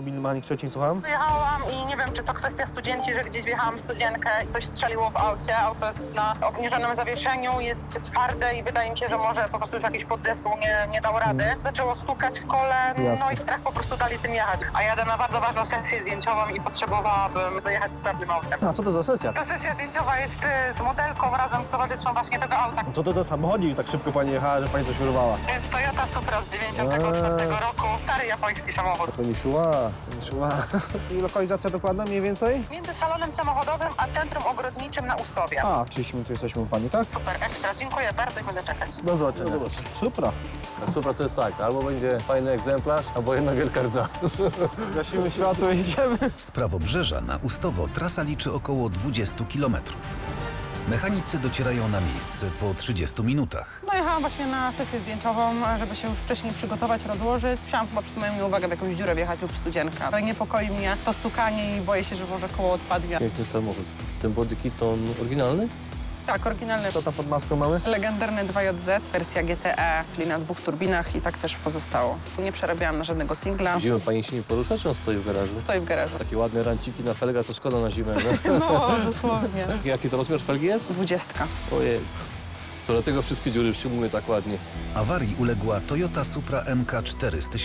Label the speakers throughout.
Speaker 1: mobilny mechanik Szczecin, słucham.
Speaker 2: Wyjechałam i nie wiem, czy to kwestia studenci, że gdzieś wjechałam w studienkę i coś strzeliło w aucie. Auto jest na obniżonym zawieszeniu, jest twarde i wydaje mi się, że może po prostu już jakiś podzespół nie dał rady. Zaczęło stukać w kole,
Speaker 1: Jasne.
Speaker 2: no i strach po prostu dali tym jechać. A jadę na bardzo ważną sesję zdjęciową i potrzebowałabym dojechać z pewnym autem.
Speaker 1: A co to za sesja?
Speaker 2: Ta sesja zdjęciowa jest z modelką razem z towarzyszą właśnie tego auta.
Speaker 1: Co to za samochodzik, że tak szybko pani jechała, że pani coś urwała?
Speaker 2: To jest Toyota Supra z 94 roku, stary japoński samochód.
Speaker 1: Pani szła. I lokalizacja dokładna mniej więcej?
Speaker 2: Między salonem samochodowym a centrum ogrodniczym na Ustowie.
Speaker 1: A, 30 minut jesteśmy u pani, tak?
Speaker 2: Super, ekstra, dziękuję bardzo i będę czekać.
Speaker 1: Do zobaczenia.
Speaker 3: No zobacz.
Speaker 1: Super.
Speaker 3: Supra to jest tak, albo będzie fajny egzemplarz, albo jedna wielka rdza.
Speaker 1: Gasimy światło i idziemy.
Speaker 4: Z Prawobrzeża na Ustowo trasa liczy około 20 km. Mechanicy docierają na miejsce po 30 minutach.
Speaker 5: Dojechałam właśnie na sesję zdjęciową, żeby się już wcześniej przygotować, rozłożyć. Chciałam po prostu moją uwagę w jakąś dziurę wjechać lub studzienkę. Ale niepokoi mnie to stukanie i boję się, że może koło odpadnie.
Speaker 3: Piękny samochód. Ten bodykit to on oryginalny?
Speaker 5: Tak, oryginalny.
Speaker 1: Co tam pod maską mamy?
Speaker 5: Legendarny 2JZ, wersja GTE, czyli na 2 turbinach i tak też pozostało. Nie przerabiałam na żadnego singla.
Speaker 3: Zimą pani się nie porusza, czy on stoi w garażu?
Speaker 5: Stoi w garażu.
Speaker 3: Takie ładne ranciki na felga, to szkoda na zimę, no?
Speaker 5: No, dosłownie.
Speaker 3: Jaki to rozmiar felgi jest?
Speaker 5: 20.
Speaker 3: Ojej. To dlatego wszystkie dziury przyjmują tak ładnie.
Speaker 4: Awarii uległa Toyota Supra MK4 z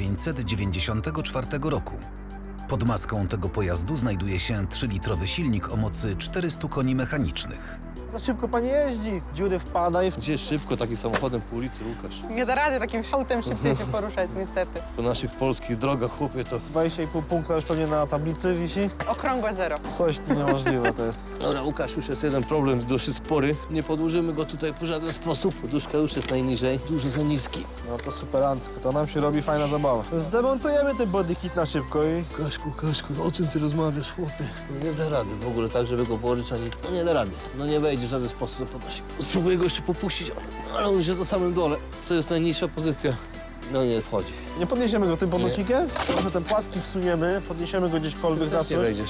Speaker 4: 1994 roku. Pod maską tego pojazdu znajduje się 3-litrowy silnik o mocy 400 koni mechanicznych.
Speaker 1: Za szybko pani jeździ. Dziury wpada i...
Speaker 3: Gdzie szybko takim samochodem po ulicy, Łukasz?
Speaker 5: Nie da rady takim autem szybciej się poruszać, niestety.
Speaker 3: Po naszych polskich drogach, chłopie, to...
Speaker 1: 20,5 punkta już pewnie na tablicy wisi.
Speaker 5: Okrągłe zero.
Speaker 1: Coś tu niemożliwe to jest.
Speaker 3: Dobra, Łukasz, już jest jeden problem, dosyć spory. Nie podłużymy go tutaj w żaden sposób. Poduszka już jest najniżej, dużo za niski.
Speaker 1: No to superancko, to nam się robi fajna zabawa. Zdemontujemy ten bodykit na szybko i...
Speaker 3: Kaszku, o czym ty rozmawiasz, chłopie? No nie da rady w ogóle tak, żeby go włożyć, ani... No nie da rady. No nie wejdzie w żaden sposób do podnosi. Spróbuję go jeszcze popuścić, ale on już jest na samym dole. To jest najniższa pozycja. No nie wchodzi.
Speaker 1: Nie podniesiemy go tym podnosikiem? Może ten płaski wsuniemy, podniesiemy go gdzieśkolwiek za
Speaker 3: Też nie wejdziesz.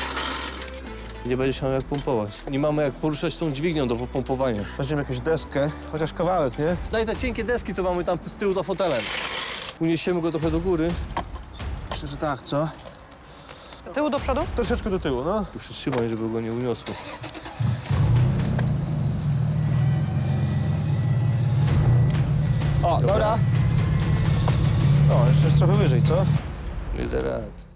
Speaker 3: Nie będziesz miał jak pompować. Nie mamy jak poruszać tą dźwignią do pompowania.
Speaker 1: Weźmiemy jakąś deskę, chociaż kawałek, nie?
Speaker 3: Daj te cienkie deski, co mamy tam z tyłu za fotelem. Uniesiemy go trochę do góry.
Speaker 1: Myślę, że tak, co?
Speaker 5: Do tyłu, do przodu?
Speaker 1: Troszeczkę do tyłu, no.
Speaker 3: Tu przytrzymaj, żeby go nie uniosło.
Speaker 1: O, dobra. O, jeszcze jest trochę wyżej, co?
Speaker 3: Nie da rady.